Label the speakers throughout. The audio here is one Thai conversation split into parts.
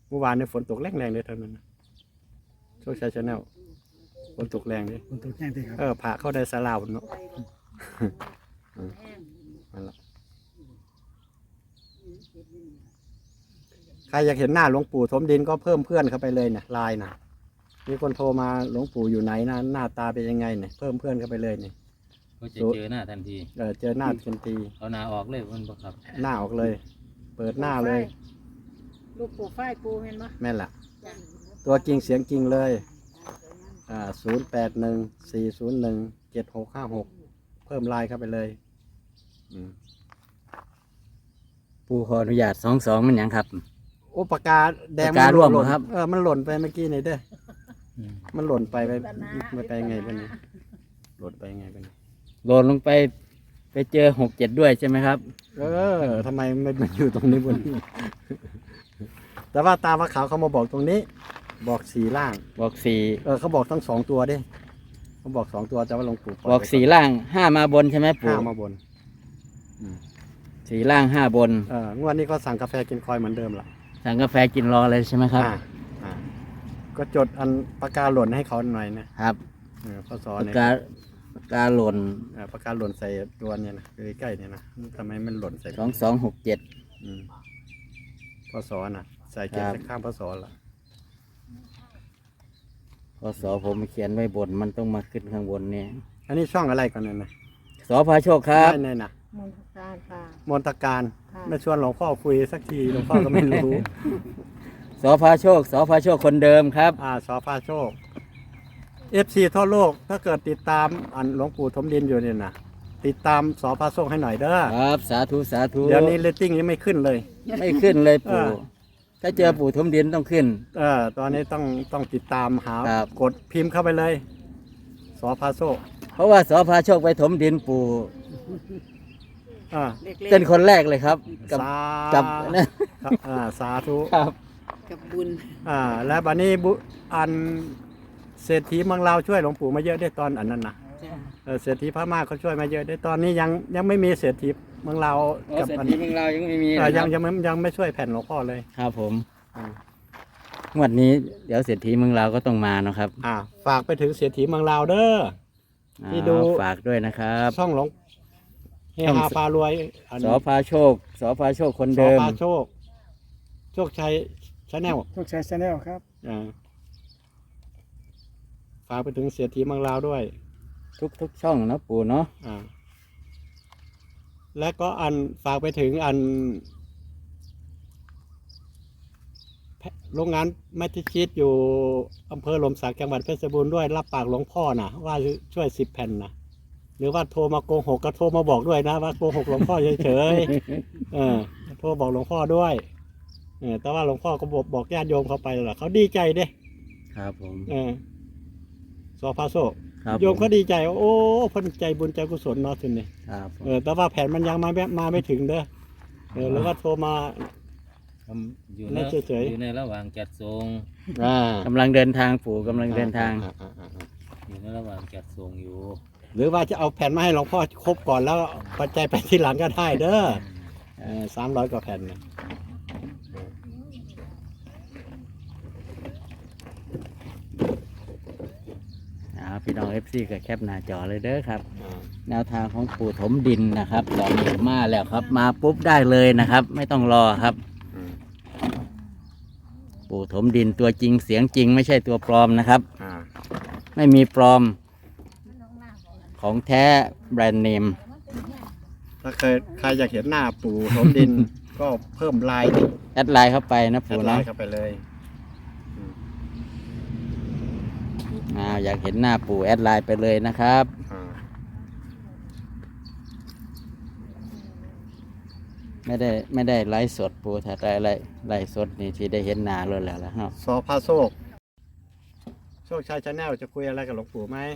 Speaker 1: เมื่อวานเนี่ยฝนตกแรงเลยเท่านั้นนะโชคชัยชาแนลฝนตกแรงเลย
Speaker 2: คนตัวแจ้งเลยครับ
Speaker 1: ผ่าเข้าได้สลาวเนาะนั่นแหละใครอยากเห็นหน้าหลวงปู่ถมดินก็เพิ่มเพื่อนเข้าไปเลยเนี่ยไลน์นะมีคนโทรมาหลวงปู่อยู่ไหนนะหน้าตาเป็นยังไงเนี่ยเพิ่มเพื่อนเข้าไปเลยเนี่ย
Speaker 3: ก็จะเจอหน้าทันที
Speaker 1: เจอหน้าทันที
Speaker 3: เอาหน้าออกเลยมันบ่ครับ
Speaker 1: หน้าออกเลย เปิดหน้าเลย
Speaker 4: ลูกปูฝ้ายปูเห็นปะ
Speaker 1: แม่นละตัวจริงเสียงจริงเลย0814017656เพิ่มไลน์เข้าไปเลย
Speaker 3: ปูขออนุญาต22มันหยังครับ
Speaker 1: โอ้ปากกาแดง
Speaker 3: ปากการ่วง
Speaker 1: หล่น
Speaker 3: เหรอครับ
Speaker 1: มันหล่นไปเมื่อกี้นี่เด้อมันหล่นไปไงเป็นหล่นไปไงเป็น
Speaker 3: โหลดลงไปเจอ67ด้วยใช่ไหมครับ
Speaker 1: ทำไมมันอยู่ตรงนี้บนนี้ แต่ว่าตาว่าขาวเขามาบอกตรงนี้ บอก4ล่าง
Speaker 3: บอก4
Speaker 1: เขาบอกทั้ง2ตัวเด้เขาบอก2ตัวแต่ว่าหลวงปู่ปล่ย
Speaker 3: บอก4ล่าง5มาบนใช่ไหมปู่
Speaker 1: 5มาบน
Speaker 3: 4ล่าง5บน
Speaker 1: งวดนี้ก็สั่งกาแฟกินคอยเหมือนเดิมล่ะ
Speaker 3: สั่งกาแฟกินรอเลยใช่ไหมครับ
Speaker 1: ก็จดอันปากกาหล่นให้เขาหน่อยนะครับพศ
Speaker 3: ปาก
Speaker 1: เนี่ย
Speaker 3: กาหล่น
Speaker 1: ปากกาหล่นใส่ตัวเนี่ยนะใกล้ๆเนี่ยนะทำไมมันหล่นใส่
Speaker 3: 2267
Speaker 1: พศน่ะ ใส่เก็บ
Speaker 3: ครับ
Speaker 1: สักข้ามพศละ
Speaker 3: พศผมเขียนไว้บนมันต้องมาขึ้นข้างบนเนี่ย
Speaker 1: อันนี้ช่องอะไรก่อนเนี่ยนะ
Speaker 3: สพาโชคครับ
Speaker 1: ได้นะ
Speaker 4: มนตการค่ะ
Speaker 1: มนตการ
Speaker 4: ค่ะ
Speaker 1: ไม่ชวนหลวงพ่อคุยสักทีหลวงพ่อก็ไม่รู้
Speaker 3: สพาโชคคนเดิมครับ
Speaker 1: สพาโชค FC ทั่วโลกถ้าเกิดติดตามอันหลวงปู่ถมดินอยู่เนี่ยนะติดตามสพาโชคให้หน่อยเด้อ
Speaker 3: ครับสาธุสาธุ
Speaker 1: เดี๋ยวนี้เรตติ้งยังไม่ขึ้นเลย
Speaker 3: ไม่ขึ้นเลยปู่
Speaker 1: เออ
Speaker 3: ถ้าเจอปู่ทมดินต้องขึ้น
Speaker 1: ตอนนี้ต้องติดตามหา
Speaker 3: ครับ
Speaker 1: กดพิมพ์เข้าไปเลยสพาโชค
Speaker 3: เพราะว่าสพาโชคไปถมดินปู่
Speaker 1: อ่า
Speaker 4: เล็ก
Speaker 3: เป็นคนแรกเลยครับ กับ
Speaker 1: สา
Speaker 3: กับนะ
Speaker 1: สาธุ
Speaker 3: ครับ
Speaker 4: ๆกับบุญ
Speaker 1: และบัดนี้อันเศรษฐีเมืองลาวช่วยหลวงปู่มาเยอะได้ตอนอันนั้นนะ
Speaker 4: จ้ะ
Speaker 1: เศรษฐีพม่าเขาช่วยมาเยอะได้ตอนนี้ยังไม่มีเศรษฐีเมืองลาว
Speaker 3: เศรษฐีเมืองเรายังไม่มี
Speaker 1: ยังไม่ช่วยแผ่นหลวงพ่อเลย
Speaker 3: ครับผม
Speaker 1: อ่าง
Speaker 3: วดนี้เดี๋ยวเศรษฐีเมืองเราก็ต้องมาเนาะครับ
Speaker 1: ฝากไปถึงเศรษฐีเมืองลาวเด้อ ที่ดู
Speaker 3: ฝากด้วยนะครับ
Speaker 1: ช่องหลวงเฮฮาพารวยอัน
Speaker 3: สพาโชคคน
Speaker 1: ส
Speaker 3: เดิม
Speaker 1: พาโชค โชคชัยชาแนล
Speaker 2: โชคชัยชาแนลครับ
Speaker 1: ฝากไปถึงเศรษฐีเมืองลาวด้วย
Speaker 3: ทุกช่องนะปู่เนาะ
Speaker 1: และก็ฝากไปถึงโรงงานมัทชิตอยู่อำเภอลมสักจังหวัดเพชรบูรณ์ด้วยรับปากหลวงพ่อนะว่าช่วย10 แผ่นนะหรือว่าโทรมาโกหกก็โทรมาบอกด้วยนะว่าโกหกหลวงพ่อเฉยๆโทรบอกหลวงพ่อด้วยแต่ว่าหลวงพ่อก็บอกญาติโยมเขาไปแล้วล่ะเขาดีใจเด้
Speaker 3: ครับผม
Speaker 1: สพาโซ
Speaker 3: ครับ
Speaker 1: โยมเขาดีใจว่าโอ้เพ้นใจบุญใจกุศลเนาะทีนี้
Speaker 3: ครับผม
Speaker 1: แต่ว่าแผ่นมันยังมาไม่ถึงเด้อหรือว่าโทรมา
Speaker 3: อยู่
Speaker 1: ไม่
Speaker 3: ใน
Speaker 1: เฉยๆ
Speaker 3: อยู่ในระหว่างจัดส่งกำลังเดินทางปู่กำลังเดินทาง อยู่ในระหว่างจัดส่งอยู่
Speaker 1: หรือว่าจะเอาแผ่นมาให้หลวงพ่อครบก่อนแล้วปัจจัยไปที่หลังก็ได้เด้อ300 กว่าแผ่นนะ
Speaker 3: พี่น้อง FC กับแคปหน้าจอเลยเด้อครับ แนวทางของปู่ถมดินนะครับตอนนี้มาแล้วครับ มาปุ๊บได้เลยนะครับ ไม่ต้องรอครับ ปู่ถมดินตัวจริงเสียงจริง ไม่ใช่ตัวปลอมนะครับ ไม่มีปลอมของแท้แบรนด์เนม
Speaker 1: ถ้าใครอยากเห็นหน้าปู่ถมดิน ก็เพิ่มลาย
Speaker 3: แอดไลน์เข้าไปนะ
Speaker 1: แอ
Speaker 3: ปู่
Speaker 1: ดไล
Speaker 3: นะ
Speaker 1: น์เข้าไปเลย
Speaker 3: อยากเห็นหน้าปู่แอดไลน์ไปเลยนะครับ ไม่ได้ไลฟ์สดปู่ถ้าได้ไลฟ์สดนี่ที่ได้เห็นหน้าเลยแล้วครับ
Speaker 1: สพาโชคโชคชัยชาแนลจะคุยอะไรกับหลวงปู่ไหม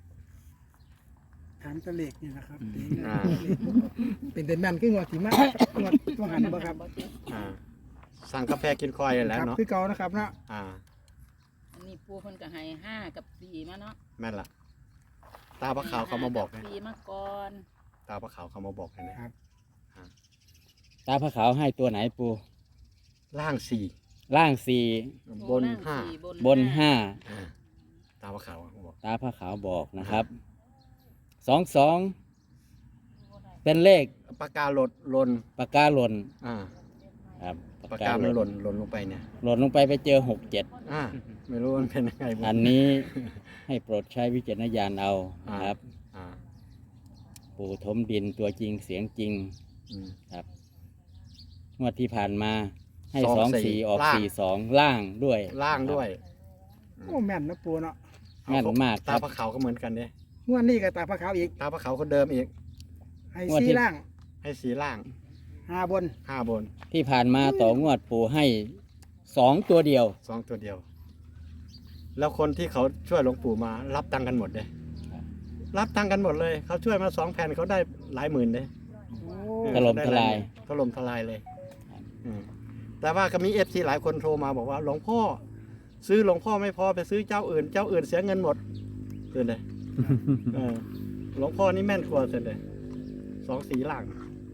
Speaker 2: ถามตะเล็กนี่นะครับ
Speaker 1: อ่า
Speaker 2: เป็นเด่นแมนขึ้นงวดสีมากงวดต้องหันบ่ครับ
Speaker 1: สั่งกาแฟกินคอยแล้ว
Speaker 2: ครับ
Speaker 1: เนาะ
Speaker 2: คือเก่านะครับเนาะ
Speaker 4: อันนี้ปูเพิ่นก็ให้5 กับ 4มาเนาะ
Speaker 1: แม่นละตาพระขาวเขามาบอก
Speaker 4: ให้
Speaker 1: นะ
Speaker 4: 5 4มาก่อน
Speaker 1: ตาพระขาวเขามาบอกนะ
Speaker 3: ตาพระขาวให้ตัวไหนปู่
Speaker 1: ล่าง4
Speaker 3: ล่างสี่
Speaker 1: บนห้า
Speaker 3: บนห้า
Speaker 1: อ่าตาว่าขาวเขาบอก
Speaker 3: ตาพระขาวบอกนะครับ22เป็นเลข
Speaker 1: ปากกาหล่นหล่น
Speaker 3: ปากกาหล่น
Speaker 1: อ่า
Speaker 3: ครับ
Speaker 1: ปากกามันหล่นหล่นลงไปเนี่ย
Speaker 3: หล่นลงไปเจอ67
Speaker 1: อ่าไม่รู้มันเป็นยังไงบ้าง
Speaker 3: อันนี้ให้โปรดใช้วิจารณญาณเอานะครับ
Speaker 1: อ่า
Speaker 3: ปู่ถมดินตัวจริงเสียงจริง
Speaker 1: อืม
Speaker 3: ครับงวดที่ผ่านมาให้
Speaker 1: สองสี่
Speaker 3: 24ออก
Speaker 1: ล่าง
Speaker 3: 42ล่างด้วย
Speaker 1: ล่างด้วย
Speaker 2: โอ้แม่นนะปูเนาะ
Speaker 3: แม่นมากค
Speaker 1: ตา
Speaker 3: รับ
Speaker 1: พระขาวก็เหมือนกันเนี่ย
Speaker 2: งวดนี้ก็ตาพระขาวอีก
Speaker 1: ตาพระขาวคนเดิมอีก
Speaker 2: ให้
Speaker 3: งวด
Speaker 2: ซี
Speaker 3: ที่
Speaker 2: ล่าง
Speaker 1: ให้สีล่าง
Speaker 2: 5บน
Speaker 1: ห้าบน
Speaker 3: ที่ผ่านมาต่องวดปู่ให้2ตัวเดียว
Speaker 1: สองตัวเดียว แล้วคนที่เขาช่วยหลวงปู่มา รับตังค์กันหมดเลย
Speaker 3: ครับ
Speaker 1: รับตังค์กันหมดเลย เขาช่วยมา2 แผ่นเขาได้หลายหมื่นเลย
Speaker 2: โอ้
Speaker 3: ถล่มทลาย
Speaker 1: ถล่มทลายเลย
Speaker 3: ครับ
Speaker 1: อืมแต่ว่าก็มีเอฟซีหลายคนโทรมาบอกว่าหลวงพ่อ ซื้อหลวงพ่อไม่พอไปซื้อเจ้าอื่น เจ้าอื่นเสียเงินหมดเกินเลยเออหลวงพ่อนี่แม่นกว่าเสร็จเลย2 สีล่าง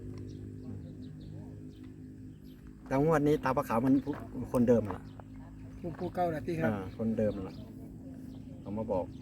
Speaker 1: แต่งวดนี้ตาประขาวมันคนเดิมล่ะ
Speaker 2: ปูเก่าละที่ครับ
Speaker 1: คนเดิมล่ะเขามาบอก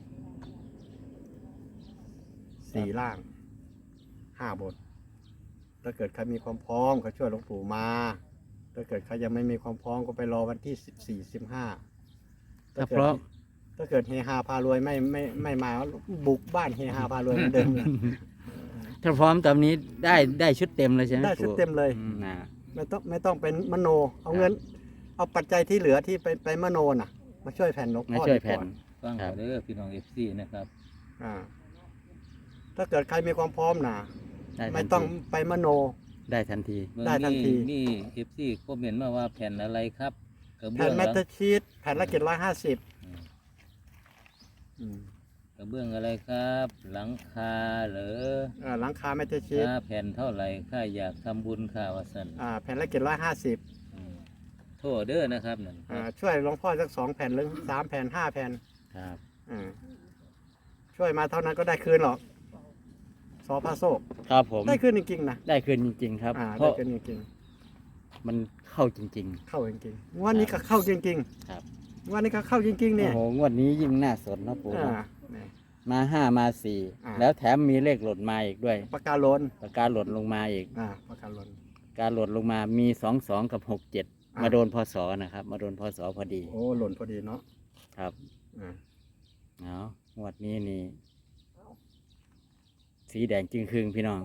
Speaker 1: 4 ล่าง 5 บน ถ้าเกิดใครมีความพร้อมก็ช่วยหลวงปู่มา ถ้าเกิดใครยังไม่มีความพร้อมก็ไปรอวันที่14 15
Speaker 3: ถ้าเพราะ
Speaker 1: ถ้าเกิดเฮฮาพารวยไม่มาบุกบ้านเฮฮาพารวยเหมือนเดิมเลย
Speaker 3: ถ้าพร้อมตอนนี้ได้ชุดเต็มเลยใช่ไหม
Speaker 1: ได้ชุดเต็มเลย
Speaker 3: อืมนะ
Speaker 1: ไม่ต้องเป็นมโน เอาเงิน เอาปัจจัยที่เหลือที่ไปมโนน่ะ มาช่วยแผ่นหลวง
Speaker 3: มา
Speaker 1: พ่อ
Speaker 3: ช่วย
Speaker 1: ดีก
Speaker 3: แผ่น
Speaker 1: ว่า
Speaker 5: ฟัง
Speaker 3: ครั
Speaker 5: เอา
Speaker 3: บ
Speaker 5: เด้อพี่น้อง FC นะครับ
Speaker 1: อ่าถ้าเกิดใครมีความพร้อมน่ะ
Speaker 3: ได้ทั
Speaker 1: ไม่
Speaker 3: น
Speaker 1: ต้อง
Speaker 3: ที
Speaker 1: ไปมโน
Speaker 3: ได้ทันที
Speaker 5: เบิ่ง
Speaker 1: ได้ทันที
Speaker 5: มี FC คอมเมนต์มาว่าแผ่นอะไรครับกระเบื้
Speaker 1: แผ่
Speaker 5: อน ง
Speaker 1: แม
Speaker 5: หลั
Speaker 1: ต
Speaker 5: ง
Speaker 1: เตอร์ชีตแผ่นละ750
Speaker 5: กระเบื้องอะไรครับ หลังคาเหรอ
Speaker 1: หลังคาแมตเตอร์ชีต
Speaker 5: ค่าแผ่นเท่าไหร่ค่าอยากทำบุญค่าว่าซั่น
Speaker 1: แผ่นละ750
Speaker 5: อืมโทษเด้อนะครับนั่นครับ
Speaker 1: ช่วยหลวงพ่อสัก2 แผ่นหรือ3 แผ่น 5 แผ่น
Speaker 3: ครับ
Speaker 1: ช่วยมาเท่านั้นก็ได้คืนหรอกสอพระโซก
Speaker 3: ครับผม
Speaker 1: ได้คืนจริงๆนะ
Speaker 3: ได้คืนจริง ๆ ครับ เพ
Speaker 1: ได้
Speaker 3: ราะ
Speaker 1: คืนจริง
Speaker 3: มันเข้าจริง
Speaker 1: ๆ เข้าจริงๆงวันนี้ก็เข้าจริง
Speaker 3: ครับ
Speaker 1: ๆงวันนี้ก็เข้าจริงๆ
Speaker 3: ๆ
Speaker 1: เนี่ย
Speaker 3: โอ้โหงวดนี้ยิ่งน่าสนนะปู่
Speaker 1: อ่า
Speaker 3: เนาะ
Speaker 1: เนี่ย
Speaker 3: มา5มา
Speaker 1: อ่า
Speaker 3: 4แล้วแถมมีเลขหล่นมาอีกด้วย
Speaker 1: ปากกาโลน
Speaker 3: ปากกาหล่นลงมาอีก
Speaker 1: ปากกาโลน
Speaker 3: การหล่นลงมามี22กับ67มาโดนพศนะครับ มาโดนพศพอดี
Speaker 1: โอ้หล่นพอดีเนาะ
Speaker 3: ครับ
Speaker 1: อ่า
Speaker 3: เอางวดนี้นี่สีแดงจึงครึ่งพี่น้อง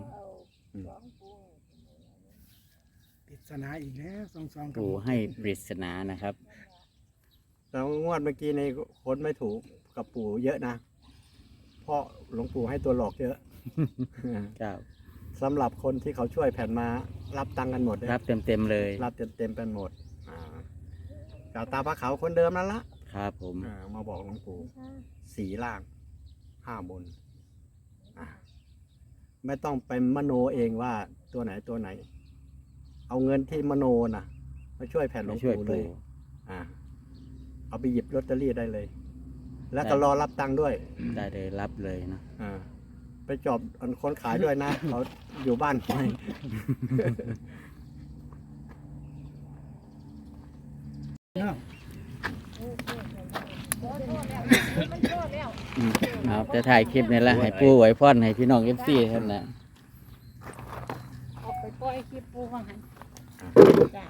Speaker 2: ปริศนาอีกแล้ว22กับ
Speaker 3: ปู่ให้ปริศนานะครับ
Speaker 1: แล้วงวดเมื่อกี้ในคนไม่ถูกกับปู่เยอะนะเพราะหลวงปู่ให้ตัวหลอกเยอะ
Speaker 3: ครับ
Speaker 1: สำหรับคนที่เขาช่วยแผ่นมารับตังค์กันหมดเลย
Speaker 3: รับเต็มๆเลย
Speaker 1: รับเต็มๆเป็นหมดกาตาพระขาวคนเดิมนั่นละ
Speaker 3: ครับผม
Speaker 1: มาบอกหลวงปู่4 ล่าง 5 บนไม่ต้องไปมโนเองว่าตัวไหนตัวไหน เอาเงินที่มโนน่ะมาช่วยแผ่นหลวง
Speaker 3: ช่วย
Speaker 1: ปู่เล
Speaker 3: ปู่
Speaker 1: ยเอาไปหยิบลอตเตอรี่ได้เลย แล้วก็รอรับตังค์ด้วย
Speaker 3: ได้เลยรับเลยนะ
Speaker 1: ไปจอบอันคนขายด้วยนะ เขาอยู่บ้านไป
Speaker 2: เนาะ
Speaker 3: เอาจะถ่ายคลิปนี่แหละให้ปู่ไหวพรให้พี่น้องเอฟซีท่านนะ
Speaker 4: เอาไปปล่อยคลิปปูว่าหันจ้ะ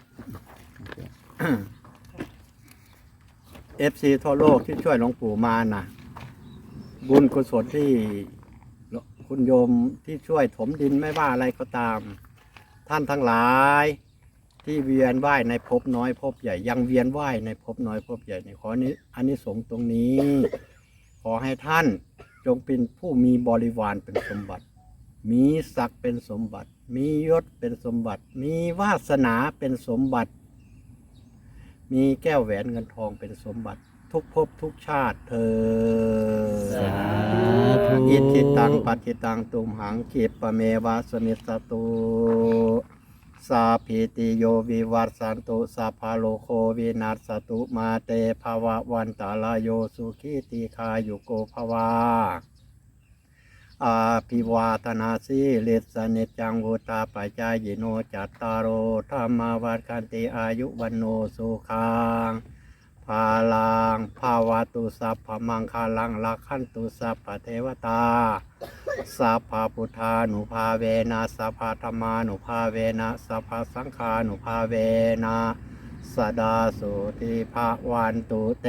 Speaker 1: FC ทั่วโลกที่ช่วยหลวงปู่มาน่ะ บุญกุศลที่คุณโยมที่ช่วยถมดินไม่ว่าอะไรก็ตาม ท่านทั้งหลาย ที่เวียนว่ายในภพน้อยภพใหญ่ยังเวียนว่ายในภพน้อยภพใหญ่ในขอนี้อานิสงส์ตรงนี้ ขอให้ท่านจงเป็นผู้มีบริวารเป็นสมบัติ มีศักดิ์เป็นสมบัติ มียศเป็นสมบัติ มีวาสนาเป็นสมบัติ มีแก้วแหวนเงินทองเป็นสมบัติ ทุกภพทุกชาติเธอ
Speaker 3: สาธุ
Speaker 1: อิทิตังปัจจิตังตุมหังคิปะเมวะสมิสสตุสาพิติโยวิวัตสันตุสัพพะโลโควินัสสตุมาเตภวะวันตาลายโยสุขีติคายุโกภวาอาภิวาทนาสีเลสเนจังวุตาปัจจายโนจัตตารโอธรรมาวัฏคันติอายุวันโนสุขังภาลังภาวะตุสัพพมังคาลังลักขันตุสัพพเทวตาสัพพพุทธานุภาเวนะสัพพธรรมานุภาเวนะสัพพสังฆานุภาเวนะสดาสุติภาวันตุเต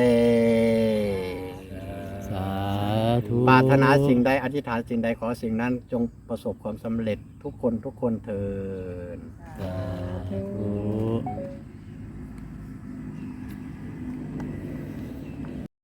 Speaker 3: สาธุ
Speaker 1: ปรารถนาสิ่งใดอธิษฐานสิ่งใดขอสิ่งนั้นจงประสบความสำเร็จทุกคนเถิด
Speaker 3: สาธุ